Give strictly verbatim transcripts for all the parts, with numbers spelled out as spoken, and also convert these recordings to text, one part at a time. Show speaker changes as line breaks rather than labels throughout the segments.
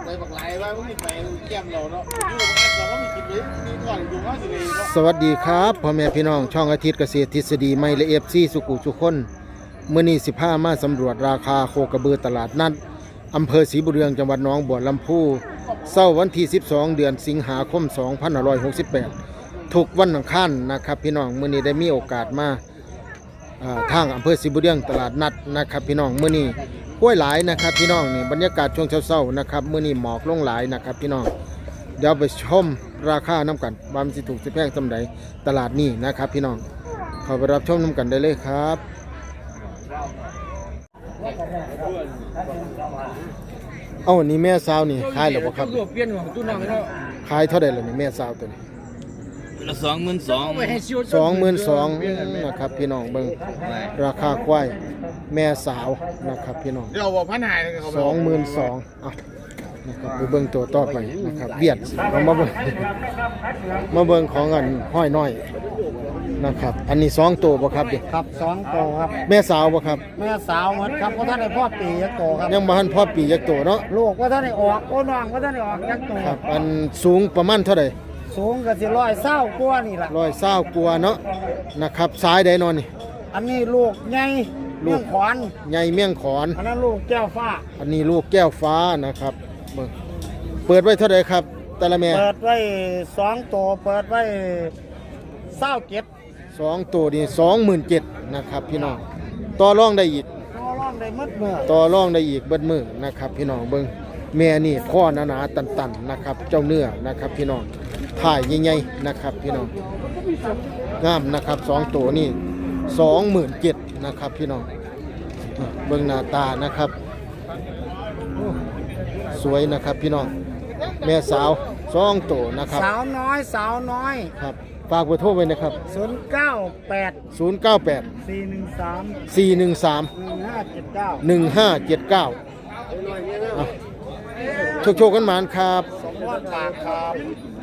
ไปบักไหลว่าไม่ไปแก้มเราเนาะอยู่บ้านเราก็มีกินเลยมีก่อนอยู่ก็สิเลยเนาะ
สวัสดีครับพ่อแม่พี่น้องช่องอาทิตย์เกษตรทฤษฎีไม่ละเอียดซี่สุขุสุขคนเมื่อนี้สิบห้ามาสำรวจราคาโคกระบือตลาดนัดอำเภอศรีบุญเรืองจังหวัดหนองบัวลำพูเสาร์วันที่สิบสองเดือนสิงหาคมสองพันห้าร้อยหกสิบแปดทุกวันอังคารนะครับพี่น้องเมื่อนี้ได้มีโอกาสมาทางอำเภอศรีบุญเรืองตลาดนัดนะครับพี่น้องเมื่อนี้ห้วยหลายนะครับพี่น้องนี่บรรยากาศช่วงเช้าๆนะครับเมื่อนี้หมอกลงหลายนะครับพี่น้องเดี๋ยวไปชมราคาน้ำกันบางสิถูกสิแพงสำใดตลาดนี้นะครับพี่น้องเข้าไปรับชมน้ำกันได้เลยครับเอาอันนี้แม่สาวนี่ขายหรือเปล่าครับขายเท่าไหร่ล่ะนี่แม่สาวตัวนี้
ละสองหมื่นสอง
สองหมื่นสองนะครับพี่น้องเบิ่งราคาควายแม่สาวนะครับพี่น้อง
เดี๋ยวบอกพันหาย
สองหมื่นสองอ่ะนะครับไปเบิ่งตัวต่อไปนะครับเวียดเอามาเบิ่งมาเบิ่งของอันห้อยน้อยนะครับอันนี้สองตัวบ่ครับดิ
ครับสองตัวครับ
แม่สาวบ่ครับ
แม่สาวเหมือนครับเพราะท่านได้พ่อปียักษ์โตครับ
ยังบ่ทันพ่อปียักษ์โตเนาะ
ลูกว่าท่านได้ออกโอ้น้องว่าท่านได้ออกยักษ์โต
ครับอันสูงประมาณเท่าใด
สูงก็สิร้อยเศร้ากว่านี่ล่ะ
ร้อยเศร้ากว่าเนาะนะครับซ้ายใดนอนนี่
อันนี้ลูกใหญ่เมี่ยงขอน
ใหญ่เมี่ยงขอน
อันนั้นลูกแก้วฟ้า
อันนี้ลูกแก้วฟ้านะครับเบิ่งเปิดไว้เท่าใดครับแต่ละแม่
เปิดไว้สองตัวเปิดไว้เศร้าเจ็ด
สองตัวนี่สองหมื่นเจ็ดนะครับพี่น้องต่อรองได้อีก
ต่อรองได้หมดมือ
ต่อรองได้อีกเบิดมือนะครับพี่น้องเบิ่งแม่นี่พ่อหนาๆตันๆนะครับเจ้าเนื้อนะครับพี่น้องถ่ายใหญ่ๆนะครับพี่น้องงามนะครับสองตัวนี่สองหมื่นเจ็ดนะครับพี่น้องเบิ่งหน้าตานะครับสวยนะครับพี่น้องแม่สาวสองตัวนะครับ
สาวน้อยสาวน้อย
ครับฝากเบอร์โทรไว้นะครับ
ศูนย์เก้าแปด
ศูนย์เก้าแปด
สี่หนึ่งสาม
สี่หนึ่งสาม
หนึ่งห้าเจ็ดเก้า
หนึ่งห้าเจ็ดเก้าโชคโชคกันหมานครับ
สมพรปากครับ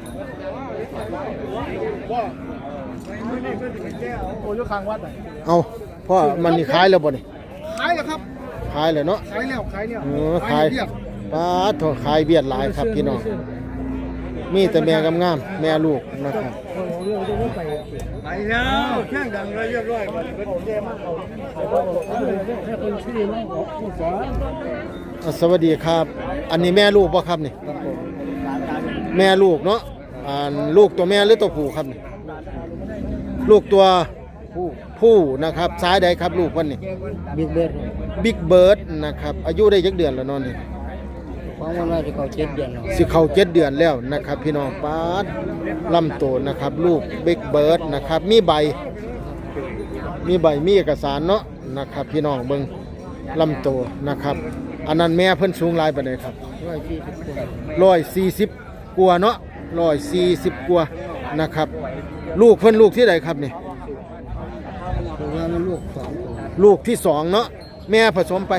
โอ้ยคางวัด
เอาพ่อมันนี่ขายแล้วบ่นี่
ขายแล้วครับ
ขายแล้วเนาะ
ขายแล้วขายแล้ว
เออขายป้าโถขายเบียดหลายครับพี่น้องมีแต่แม่งามๆแม่ลูกนะครับ
ไปแล้วแข่งดังเลยเรียบร้อย
สวัสดีครับอันนี้แม่ลูกป่ะครับนี่แม่ลูกเนาะอ่าลูกตัวแม่หรือตัวผู้ครับนี่ลูกตัวผู้ผู้นะครับซ้ายใดครับลูกวันนี้
บิ๊กเบิร์ด
บิ๊กเบิร์ดนะครับอายุได้ยักเดือนแล้วนอนนี่
ความว่าจะเขาเจ็ดเดือนแล้ว
สิเขาเจ็ดเดือนแล้วนะครับพี่น้องป้าดลำโตนะครับลูกบิ๊กเบิร์ดนะครับมีใบมีใบมีเอกสารเนาะนะครับพี่น้องเบิ่งลำโตนะครับอันนั้นแม่เพิ่นสูงหลายปานใดครับร้อยสี่สิบกว่าเนาะร้อยสี่สิบกว่านะครับลูกเพิ่นลูกที่ใดครับนี่
ลูกสอง
ลูกที่สองเนาะแม่ผสมไป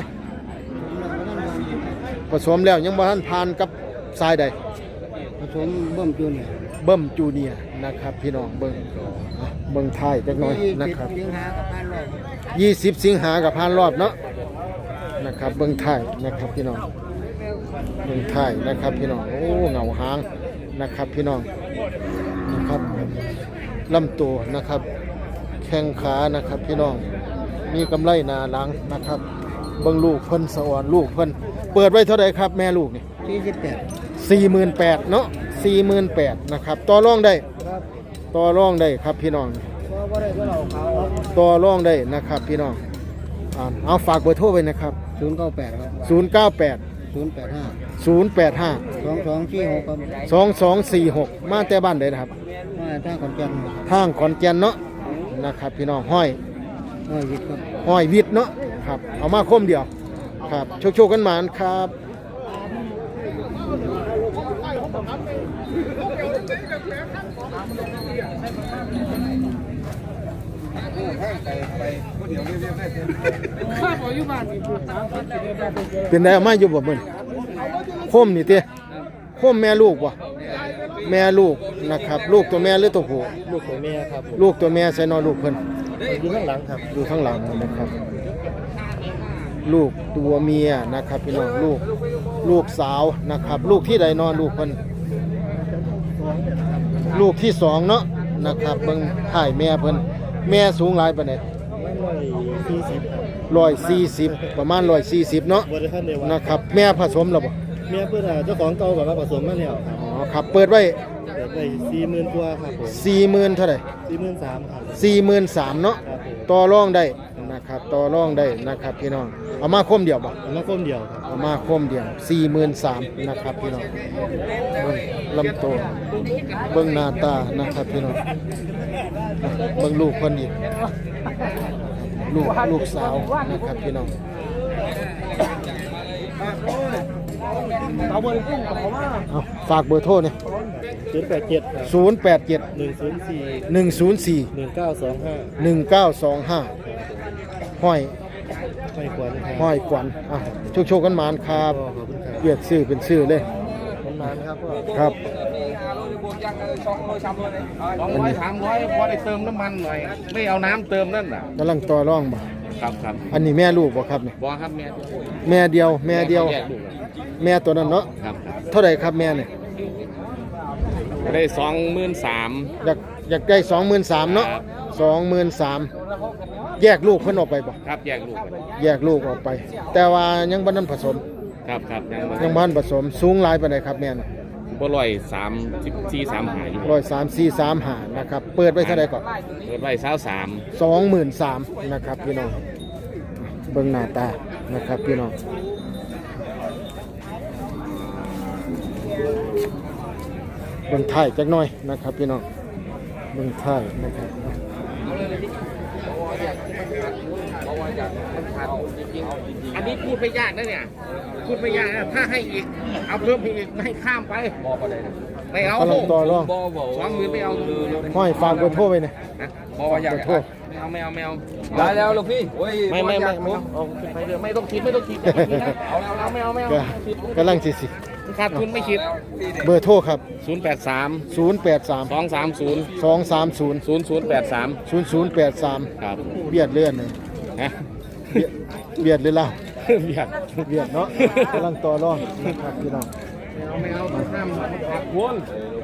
ผสมแล้วยังบ่ทันผ่านกับทรายใด
ผสมเบิ่มจูเนีย
เบิ่มจูเนียนะครับพี่น้องเบิ่งเบิ่งท้ายจักหน่อยนะครับยี่สิบสิงหากับผ่านรอบเนาะนะครับเบิ่งท้ายนะครับพี่น้องเบิ่งท้ายนะครับพี่น้องโอ้เงาหางนะครับพี่น้องนะครับลำตัวนะครับแข้งขานะครับพี่น้องมีกำไรหน้าหลังนะครับเบิ่งลูกเพิ่นสะอ่อนลูกเพิ่นเปิดไว้เท่าไหร่ครับแม่ลูกนี่
สี่สิบแปด
สี่หมื่นแปดเนาะสี่หมื่นแปดนะครับต่อรองได้ต่อรองได้ครับพี่น้องต่อรองได้นะครับพี่น้องเอาฝากเบอร์โทรไว้นะครับ
ศูนย์เก้าแปดครับ
ศูนย์เก้าแปด
ศูนย์แปดห้า
ศูนย์แปดห้า
สองสองสี่หกครับ
สองสองสี่หกมาแต่บ้านใดนะครับ
มาทางขอนแก่น
ทางขอนแก่นเนาะนะครับพี่น้องห้อย
ห้อยวิทย์ครับ
ห้อยวิทย์เนาะครับเอามาคมเดียวครับโชคโชคกันหมานครับเป็นได้มาอยู่บ่มึงคมนี่เตี้ยคมแม่ลูกวะแม่ลูกนะครับลูกตัวแม่หรือตัวผู้
ลูกตัวแม่ครับ
ลูกตัวแม่ใส่นอนลูกเพิ่น
อยู่ข้างหลังครับ
อยู่ข้างหลังนะครับลูกตัวเมียนะครับพี่น้องลูกลูกสาวนะครับ ลูกที่ใดนอนลูกเพิ่นลูกที่สองเนาะนะครับเบิ่งถ่ายแม่เพิ่นแม่สูงหลายปานใด
ร้อยสี่สิบครับ
ร้อยสี่สิบประมาณร้อยสี่สิบเนาะ
บริษัทเดียว
นะครับแม่ผสมแล้วบ่
เมียเพื่อนเจ้าของเก่ากับว่าผสมมาแล้วครับ
อ๋อครับเปิดไว้
เปิดไปสี่หมื่นกว่าครับผม
สี่หมื่นเท่าไหร่
สี่หมื่นสามครับ
สี่หมื่นสามเนาะ
ครับผม
ต่อรองได้นะครับต่อรองได้นะครับพี่น้องเอามาคมเดียวบ่
อันนั้นก้มเดียวครับ
เอามาคมเดียวสี่หมื่นสามนะครับพี่น้องเบิ่งลำโตวเบิ่งหน้าตานะครับพี่น้องเบิ่งลูกคนอีกลูกลูกสาวนะครับพี่น้อง
เอาบริษัทเขาว่า
เอาฝากเบอร์โทรเนี่ย
ศูนย์แปดเจ็ดครับ
ศูนย์แปดเจ็ด
หนึ่งศูนย์สี่
หนึ่งศูนย์สี่
หนึ่งเก้าสองห้า
หนึ่งเก้าสองห้าห้อย
ไม่ควรครับ
ห้อยกวันอ่ะโชคโชคกันหมานครับ
ขอบคุณครับ
เรียกชื่อเป็นชื่อเลย
นานครับพ่อ
ครับ
สองร้อยสามร้อยพอได้เติมน้ำมันหน่อยไม่เอาน้ำเติมนั่นน่ะ
กำลังต่อรองบ่
ครับครับ
อันนี้แม่ลูกบ่ครับเนี่ย
บอครับแม่
แม่เดียวแม่เดียว
แยกลูก
แม่ตัวนั้นเนาะ
ครับ
เท่าไหร่ครับแม่เนี่ย
ได้สองหมื่นสาม
อยากอยากได้สองหมื่นสามเนาะสองหมื่นสามแยกลูกเพิ่นออกไปบ่
ครับแยกลูก
แยกลูกออกไป แต่ว่ายังบ่ทันผสม
ครับครับยังบ่
ยังบ่ทันผสมสูงหลายปานใดครับแม่น่ะ
บ่ร้อยสามสิบสี่สามหาอยู่
ร้อยสามสี่สามห้านะครับเปิดไว้เท่าไหร่ก่อน
เปิดไว้เช้าสาม
สองหมื่นสามนะครับพี่น้องเบิ่งหน้าตานะครับพี่น้องเบิ่งถ่ายจักหน่อยนะครับพี่น้องเบิ่งถ่ายนะครับ
อันนี้พูดไม่ยากนะเนี่ยพูดไม่ยากนะถ้าให้อีกเอาเพิ่มอีกไม่ให้ข้ามไปไม่เอา
กำลังต่อรอง
สองหมื่นไม่เอา
ห้อยฝากเบอร์โทรไว้หน่อย
นะบอกว่าอยาก
เบอร์โทร
ไม่เอาไม่เอาไม่เอา
ได้แล้วลูกพี่โอ้ย
ไม่ไม่ไม่ไม่เอาขึ้นไปเลยไม่ต้องคิดไม่ต้องคิดไม่ต้องคิดนะเอาเอาเอาไม่เอาไม่เอา
ก็กำลังสิสิ
ขาดทุนไม่คิด
เบอร์โทรครับ
ศูนย์แปดสาม
ศูนย์แปดสาม
สองสามศูนย์
สองสามศูนย์
ศูนย์ศูนย์แปดสาม
ศูนย์ศูนย์แปดสาม
ครับ
เบียดเลื่อนเลย
ฮะ
เบียดเบียดเลยล่ะ
เบียด
เบียดเนาะกำลังต่อรองนะครับพี่น้อง
ไม่เอาไม่เอาห้ามขาดทุน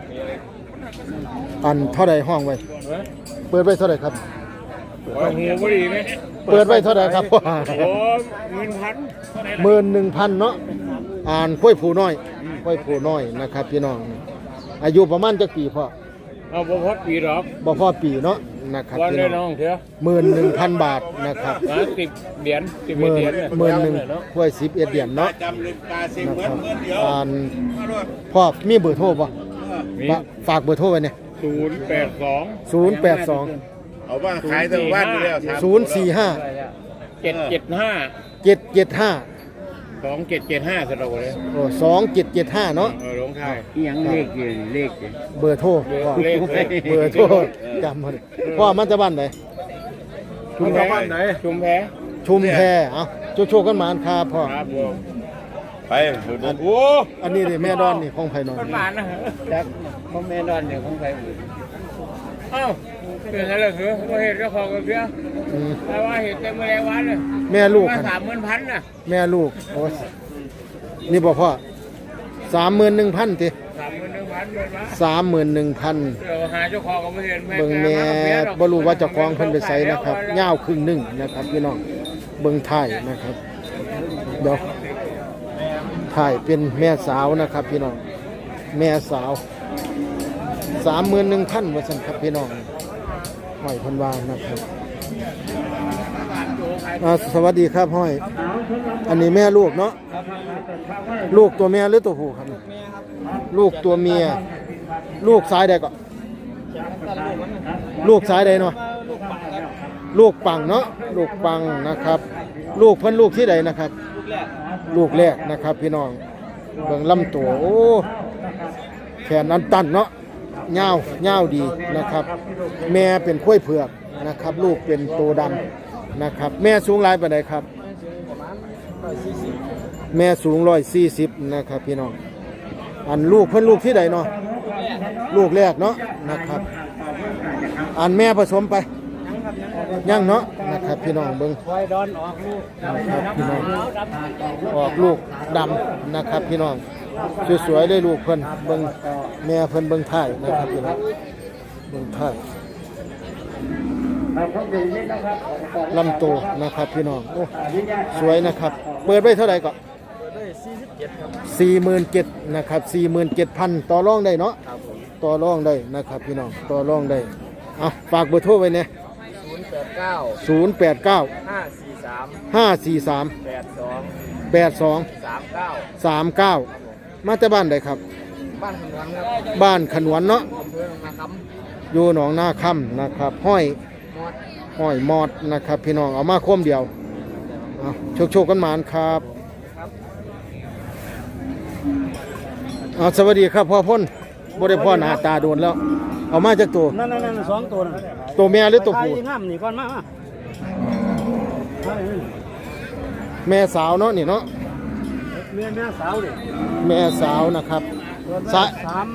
อันเท่าใดห้องไว้ เปิดไว้เท่าใดครับ
โอ้โหพอดีไหม
เปิดไว้เท่าใดครับ
โอ้เงินพัน
หมื่นหนึ่งพันเนาะอ่านค่อยผูน้อยค่อยผูน้อยนะครับพี่น้องอายุประมาณจักปีพ่อ
เอาบ่พอปีหรอก
บ่พอปีเนาะนะครับ
วัน
พี่
เลย
น้
น้
อ
อง งเถอะ
หมื่นหนึ่งพันบาทนะครับ
นะสิบเหรียญสิบ
หมื่น
เหรียญ
หมื่นหนึ่งค่อยสิบเอ็ดเหรียญเนาะ
จำลึกตาสิ
นะครับอ่านพ่อมีเบอร์โทรป่ะฝากเบอร์โทรไว้เนี่ย
ศูนย์แปดสอง
ศูนย์แปดสอง
เอาว่าขายทั้งวันอยู่แล้ว
ศูนย์สี่ห้า
เจ็ดเจ็ดห้า
เจ็ดเจ็ดห้า
สองเจ็ดเจ็ดห้าสระโดเลย
โอ้สองเจ็ดเจ็ดห้าเนาะ
เออลงท้าย
ยังเลขอยู่เลขอยู่
เบอร์โทรพ่อ
เลขเลข
เบอร์โทรจำมาเลยพ่อมันจะบ้านไหน
ชุมแพชุมแพ
ชุมแพเอาโชคโชคกันหมานครับพ่อ
ครับผมไปโอ้
อันนี้นี่แม่ดอนนี่ของไผ่นอน
มันหวานนะ
จากพ่อแม่นอนอยู่ของใคร
เอ้าเป็นอะไรเหรอว่าเหตุก็พอกันเพี้ย
อืม
แต่ว่าเหตุเต็มเมื่อไรวันเลย
แม่ลูก
มา
ครับ
สามหมื่นพันน่ะ
แม่ลูกโอ้ยนี่บอกพ่อสามหมื่นหนึ่งพันที
สามหมื่นหนึ่งพันเงินมา
สามหมื่นหนึ่งพัน
เดี๋ยวหาเจ้าของก็ไม่เห็น
เบิ่งแม่บ่รู้ว่าเจะคล้าของเพิ่นไปไสนะครับยาวครึ่งหนึงนะครับพี่น้องเบิ่งท้ายนะครับเดี๋ยวท้ายเป็นแม่สาวนะครับพี่น้องแม่สาวสามหมื่นหนึ่งพันว่าซั่นครับพี่น้องห้อยเพิ่นว่านะครับอ่าสวัสดีครับห้อย อันนี้แม่ลูกเนาะลูกตัวแม่หรือตัวผู้ครับเนี่ยลูกตัวเมียลูกซ้ายใดก็ ลูกซ้ายใดเนาะลูกปังเนาะลูกปังนะครับ ลูกเพิ่นลูกที่ใดนะครับ ลูกแรกนะครับ พี่น้องเบิ่งลำตัวโอ้แขนอันตันเนาะยาวยาวดีนะครับ แม่เป็นข้วยเผือกนะครับ ลูกเป็นโตดำนะครับ แม่สูงหลายปานใดครับ แม่สูงร้อยสี่สิบนะครับ พี่น้องอันลูกเพิ่นลูกที่ใดเนาะลูกแรกเนาะนะครับ อันแม่ผสมไปยังเนาะนะครับพี่น้องเบิ่ง
ไว้ดอนออกลูก
นะครับพี่น้องออกลูกดำนะครับพี่น้องสวยๆเลยลูกเพิ่นเบิ่งแม่เพิ่นเบิ่งท้ายนะครับพี่น้องเบิ่งท้ายลำตัวนะครับพี่น้องโอ้สวยนะครับเปิดไว้เท่าไหร่ก็สี่หมื่นเจ็ดนะครับสี่หมื่นเจ็ดพันต่อรองได้เนาะต่อรองได้นะครับพี่น้องต่อรองได้เอาฝากเบอร์โทรไว้เนี่ย
ศูนย์แปดเก้า
ศูนย์แปดเก้า
ห้าสี่สาม
ห้าสี่สาม
แปดสอง
แปดสอง
สามเก้า
สามเก้ามาจากบ้านใดครับ
บ้านขนวนครับ
บ้านขนวนเนาะ
อำเภอหนองนาค
อยู่หนองนาค่ำนะครับห้อย
ำมอด
ห้อยมอดนะครับพี่น้องเอามาคมเดียวเอาโชคโชคกันหมานครับเอาสวัสดีครับพ่อพ่นบ่ได้พ่อหน้าตาโดนแล้ว เอามาจากตัว
นั่นนั่นสองตัวนั่น
ตัวแม่หรือตัวผู้
ไปขายงามนี่ก่อนมามาไปนี่
แม่สาวเนาะนี่เนาะ
เมียแม่สาวดิ
แม่สาวนะครับ
เปิด
สะ
ไว้สาม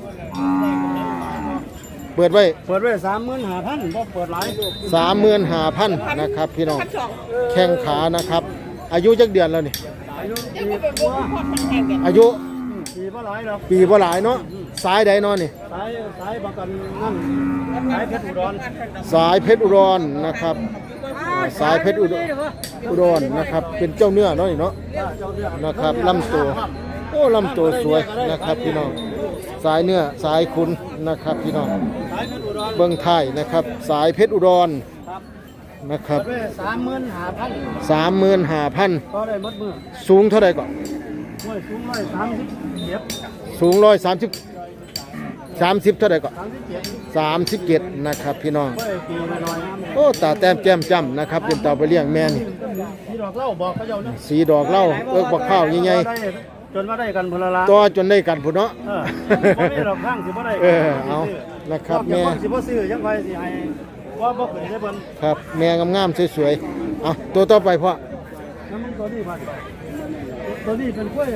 เปิดไว้
เปิดไว้สามหมื่นห้าพันบ่เปิดหลาย
สามหมื่นห้าพันนะครับพี่น้องแข้งขานะครับ อายุจักเดือนแล้วนี่
อายุปีกว่า
อายุ
ปีบ่หลายหรอก
ปีบ่หลายเนาะสายใดเนาะนี่
สายสายประกันนั่นสายเพชรอุดร
สายเพชรอุดรนะครับอ่าสายเพชรอุดรอุดรนะครับ เป็นเจ้าเนื้อเนาะนี่เนาะ
เจ้าเรื่อง
นะครับลำตัวโอ้ลำตัวสวยนะครับพี่น้องสายเนื้อสายคุณนะครับพี่น้อง
สายเพชรอุดร
เบิ้งไทยนะครับ สายเพชรอุดร
ครับ
นะครับ
เปิดไว้สามหมื่นห้าพัน
สามหมื่นห้าพัน
ก็ได้หมดมือ
สูงเท่าไหร่ก่อน
ห้วยสูงร้อยสามสิบเจ็ด
สูงร้อยสามสิบสามสิบเท่าไหร่ก่อน
สามสิบเจ็ด
สามสิบเจ็ดนะครับพี่น้อง
ห้วยปีน้อยๆนะ
โอ้ตาแต้มแจ่มจ้ำนะครับเป็นตาไปเลี้ยงแม่นี่
ที่ดอกเหล้าบอกเขาเจ้าเนาะ
สีดอกเหล้าเอิกบักข้าวใหญ่
ได้จนว่าได้กันพลละ
ๆต่อจนได้กันพุ่นเนาะ
เออบ่ได้ดอกข้างสิบ่ได้
เออเอานะครับแม่
แม่สิบ่ซื้อยังไงสิให้ว่าบ่เคยได้เพิ่น
ครับแม่งามๆสวยๆเอาตัวต่อไปพ่อ
น้ำมันตัวนี้พันตัวนี้เป็นกล้วย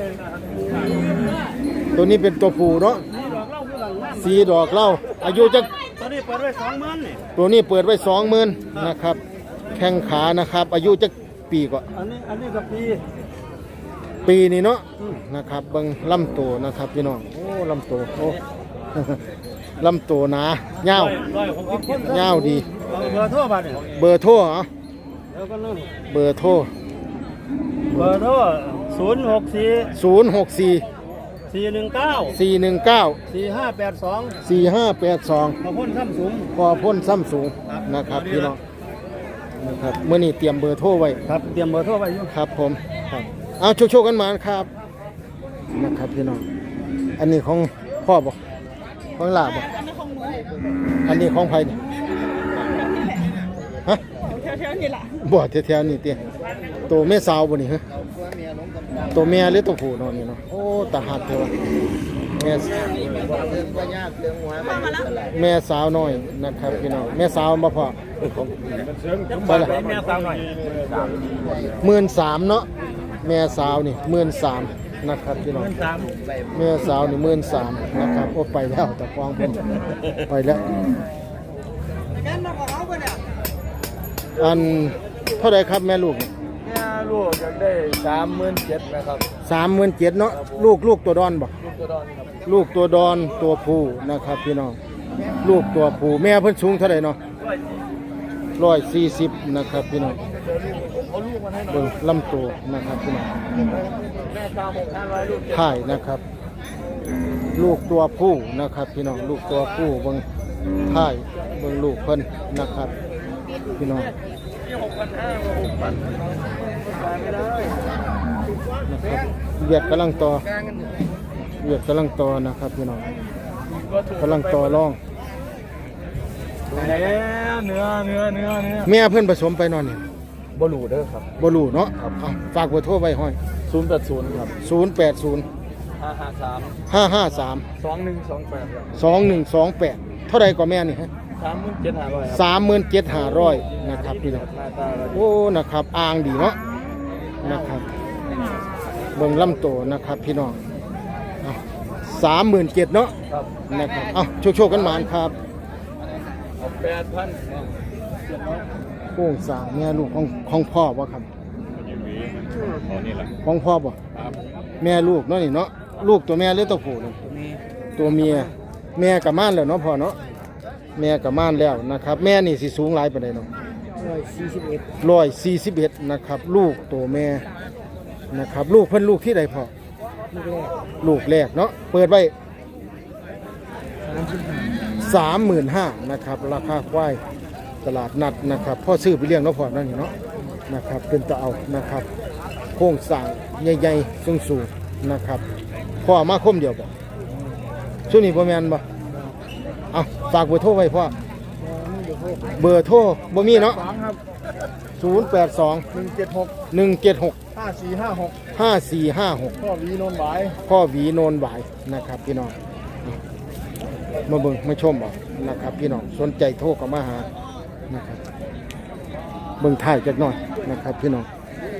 ตัวนี้เป็นตัวผู้เนาะ
นี่ดอกเหล้าคือหลังน้ำ
สีดอกเหล้าอายุจะ
ตัวนี้เปิดไว้สองหมื่นนี่
ตัวนี้เปิดไว้สองหมื่นนะครับแข้งขานะครับ อายุจะปีกว่า
อันนี้อันนี้กับปี
ปีนี้เนาะนะครับเบิ่งลำตัวนะครับพี่น้องโอ้ลำตัวโอ้ ลำตัวหนาเงาว
ร้อยหกสิบคน
เงาวดี
เอาเบอร์โทรบัดนี่
เบอร์โทรเหรอ
เดี๋ยวก็นั่น
เบอร์โทร
เบอร์โทรศูนย์หกสี่
ศูนย์หกสี่
สี่หนึ่งเก้า
สี่หนึ่งเก้า
สี่ห้าแปดสอง
สี่ห้าแปดสอง
มาพ่นซ้ำสูง
พอพ่นซ้ำสูงนะครับพี่น้องนะครับเมื่อนี้เตรียมเบอร์โทรไว้
ครับเตรียมเบอร์โทรไว้อยู่
ครับผมครับเอาโชคๆกันมาครับนะครับพี่น้องอันนี้ของพ่อบอกของหลาบอกอันนี้ของใครเนี่ยฮะแถวๆนี่ล่ะบ่แถวๆนี่เตี้ยตัวแม่สาวบ่นี่ฮะตัวแม่หรือตัวผู้เนาะนี่เนาะโอ้ตาหักเถอะแม่แม่สาวน้อยนะครับพี่น้องแม่สาวมาพอไปละ
แม่สาวหน่อย
หมื่นสามเนาะแม่สาวนี่หมื่นสามนะครับพี่น้อง
สาม
แม่สาวนี่หมื่นสามนะครับโอ้ไปแล้วแต่ฟองเพิ่นไปแล้วอันเท่าไหรครับแม่ลูก
เนี่ยลูกอยากได้สามหมื่นเจ็ดนะครับ
สามหมื่นเจ็ดเนาะลูกลูกตัวดอนบ่
ลูกตัวดอนครับ
ลูกตัวดอนตัวผู้นะครับพี่น้องลูกตัวผู้แม่เพิ่นสูงเท่าไหรเนาะร้อยสี่สิบนะครับพี่น้อง
เอาลูกมาให้หน่อย
เบิ่งลำตัวนะครับพี่น้อง
แม่ตามหกห้าร้อยลูก
ถ่ายนะครับ ลูกตัวผู้นะครับ พี่น้องลูกตัวผู้เบิ่งถ่ายเบิ่งลูกเพิ่นนะครับ พี่น้อง
หกพันห้าหกพันขายไม่ได้
นะครับเวียดกำลังต่อเวียดกำลังต่อนะครับ พี่น้องกำลังต่อรอง
แล้วเนื้อเนื้อเนื้อเนื้อ
แม่เพิ่นผสมไปนอนนี่
บลูเด้อครับ
บ่รู้เนาะเอาฝากเบอร์โทรไว้ห้อย
ศูนย์แปดศูนย์ครับ
ศูนย์แปดศูนย์
ห้าห้าสาม
ห้าห้าสาม
สองหนึ่งสองแปดครับ
สองหนึ่งสองแปดเท่าไรก็แม่นี่ฮะ
สามหมื่นเจ็ดห้าร้อยครับ
สามหมื่นเจ็ดห้าร้อยนะครับพี่น้อง
หน้าตาเรา
โอ้นะครับอ่างดีเนาะนะครับเบิ่งลำโตนะครับพี่น้องสามหมื่นเจ็ดเนาะ
ครับ
นะครับเอาโชคๆกันหมานครับ
เอาแปดพัน
โค้งสร้างแม่ลูกของของพ่อบ่ครับ
ตอนนี้แหละ
ของพ่อบ่
ครับ
แม่ลูกเนาะนี่เนาะลูกตัวแม่หรือตัวผู้นี่ตัวเมียแม่กับม่านแล้วเนาะพ่อเนาะแม่กับม่านแล้วนะครับ แม่นี่สิสูงหลายปานใดเนาะ
ร้อยสี่สิบเอ็ด
ร้อยสี่สิบเอ็ดนะครับ ลูกตัวแม่นะครับ ลูกเพิ่นลูกที่ใดพ่อ
ลูกแรก
ลูกแรกเนาะเปิดไว้
สามสิบห้า
สามหมื่นห้านะครับราคาควายตลาดนัดนะครับพ่อซื้อไปเลี้ยงเนาะพ่อนั่นนี่เนาะนะครับเป็นตะเอานะครับโครงสร้างใหญ่ๆสูงๆนะครับพ่อมาคมเดียวบ่ช่วงนี้พ่อแม่นบ่เอาฝากเบอร์โทรไว้พ่อเบอร์โทรบ่มีเนาะ
สามครับ
ศูนย์แปดสอง
หนึ่งเจ็ดหก
หนึ่งเจ็ดหก
ห้าสี่ห้าหก
ห้าสี่ห้าหก
พ่อวีโนนหวาย
พ่อหวีโนนหวายนะครับพี่น้องมาเบิ่งมาชมบ่นะครับพี่น้องสนใจโทรเข้ามาหานะครับเบิ่งถ่ายจักหน่อยนะครับพี่น้อง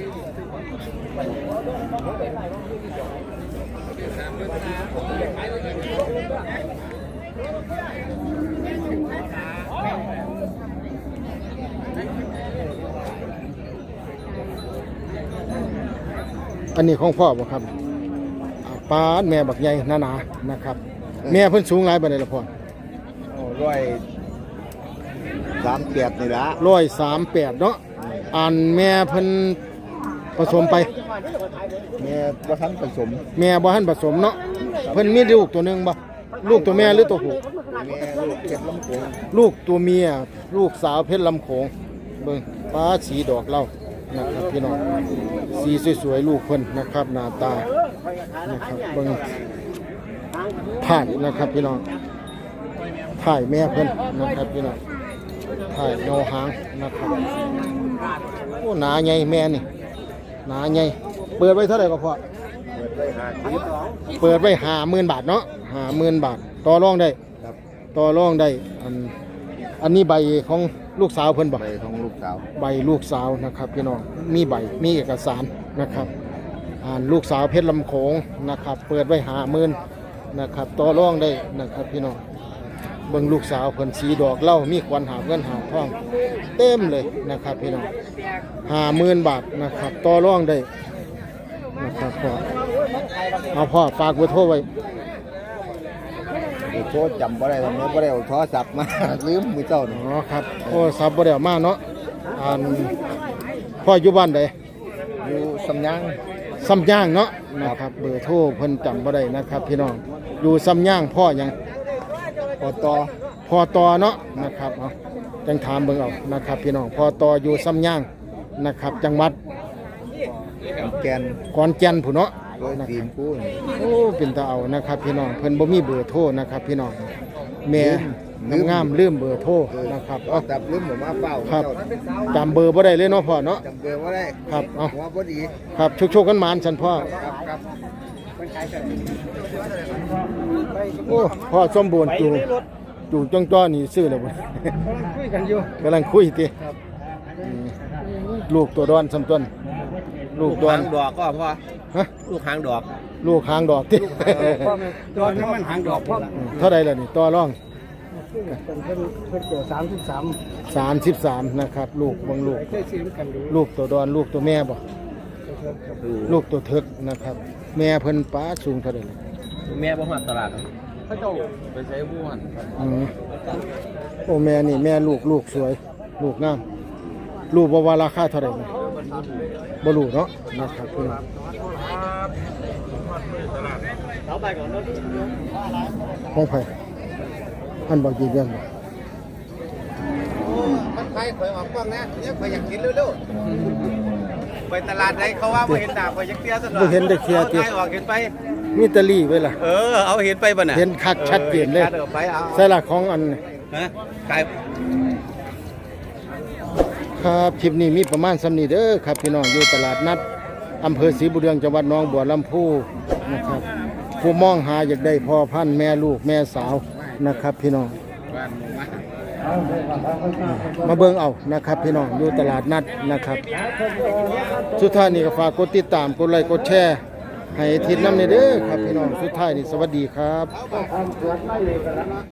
อันนี้ของพ่อบ่ครับอ่าปาดแม่บักใหญ่หนาๆนะครับ แม่เพิ่นสูงหลายปานใดล่ะพ่อ
โอ้ร้อยสามแปดนี่ละ
ร้อยสามแปดเนาะอันแม่เพิ่นผสมไป
แม่ว่าทันผสม
แม่บ่ทันผสมเนาะเพิ่นมีลูกตัวหนึงบ่ลูกตัวแม่หรือตัวผู้
แม่ลูกเก็บลำโพง
ลูกตัวเมียลูกสาวเพชรลำโขงเบิ่งฟ้าสีดอกเหล้านะครับพี่น้องสีสวยๆลูกเพิ่นนะครับหน้าตานะครับเบิ่งถ่ายนะครับพี่น้องถ่ายแม่เพิ่นนะครับพี่น้องถ่ายเงาหางนะครับโอ้หนาใหญ่แม่นี่หนาใหญ่เปิดไว้เท่าไหร่ก็พอ
เปิดได้ห้าสิบ
เปิดไว้ห้าหมื่นบาทเนาะห้าหมื่นบาทต่อรองได้
ครับ
ต่อรองได้อันอันนี้ใบของลูกสาวเพิ่นบ่
ใบของลูกสาว
ใบลูกสาวนะครับพี่น้องมีใบมีเอกสารนะครับอ่านลูกสาวเพชรลำโขงนะครับ เปิดไว้ห้าหมื่นนะครับต่อรองได้นะครับพี่น้องเบิ่งลูกสาวเพิ่นสีดอกเหล้ามีควันหาบเงินหาบทองเต็มเลยนะครับพี่น้องห้าหมื่นบาทนะครับต่อรองได้นะครับพ่อเอาพ่อฝากเบอร์โทรไว้
เดี๋ยวโทรจำบ่ได้ทำไมบ่ได้เอาโทรศัพท์มา ลืมมือเจ้า
อ๋
นี่
อครับโทรศัพท์บ่ได้เอามาเนาะอ่านพ่ออยู่บ้านใด
อยู่สำยัง
ซ้ำย่างเนาะนะครับเบอร์โทรเพิ่นจำบ่ได้นะครับพี่น้องอยู่ซ้ำย่างพ่อหยัง
พอต่อ
พ่อตอเนาะนะครับเอาจังถามเบิ่งเอานะครับพี่น้องพ่อตออยู่ซ้ำย่างนะครับจังหวัด
แกน
ขอนแก่นผู้เนาะ
โดยทีมกู้นี่
โอ้เป็นตาเอานะครับพี่น้องเพิ่นบ่มีเบอร์โทรนะครับพี่น้องแม่งามๆลืมเบอร์โทรนะครับเอา
จับลืมผมมาเฝ้า
ครับ
เจ้านี่
จำเบอร์บ่ได้เลยเนาะพ่อเนาะ
จำเบอร์ว่าได้
ครับเอา
หัวบ่ดี
ครับโชคๆกันหมานสันพ่อ
ครับครับ
โอ้พ่อสมบูรณ์จูจูจ้องจ้อนี่ซื้อแล้วบ่
คุยกันอยู่
กำลังคุยติอืมลูกตัวดอนสำต้นลูกดอน
หางดอกก็พอ
ฮะ
ลูกหางดอก
ลูกหางดอกติ
ตอนนี้มันหางดอกพ่อ
เท่าไรล่ะนี่ต่อรอง
เป็นเพิ่นเพิ่นตัวสามสิบสาม
สามสิบสามนะครับ ลูกบางลูก
เคยซื้อกันดู
ลูกตัวดอน ลูกตัวแม่บ่ลูกตัวเถิกนะครับ แม่เพิ่นป้าสูงเท่าไรล่ะ
แม่บ่มาตลาดเขาเจ้าไปใช้บ้วน
อืมโอ้แม่นี่แม่ลูกลูกสวย ลูกงามลูกบ่ว่าราคาเท่าไรนี่บ่รู้เนาะนะครับพี่น้อง
เอาไปก่อนเนาะ
ของไผอันบ่ยืนยันบ่
มันใครข่อยออกกล้องนะเนี่ยข่อยอยากกินเร็วๆไปตลาดไหนเขาว่าบ่เห็นหน้าข่อยอยากเตี้ยซะหน่อย
บ่เห็นได้เคลียร์ติ
ใครออกเห็นไป
มีแตะลี่ไว้ล่ะ
เออเอาเห็นไปบ่น่ะ
เห็นคักชัดเจนเลย
ออไปเอา
ใส่หลักของอัน
ฮะขาย
ครับคลิปนี้มีประมาณสำนี้เด้อครับพี่น้องอยู่ตลาดนัดอำเภอศรีบุญเรืองจังหวัดหนองบัวลำพูนะครับผู้มองหาอยากได้พ่อพันธุ์แม่ลูกแม่สาวนะครับพี่น้อง
บ้านหมู่บ้าน
มาเบิ่งเอานะครับพี่น้องอยู่ตลาดนัดนะครับ สุดท้ายนี่ก็ฝากกดติดตามกดไลค์กดแชร์ให้ทิศน้ำในเด้อครับพี่น้องสุดท้ายนี่สวัสดีครับ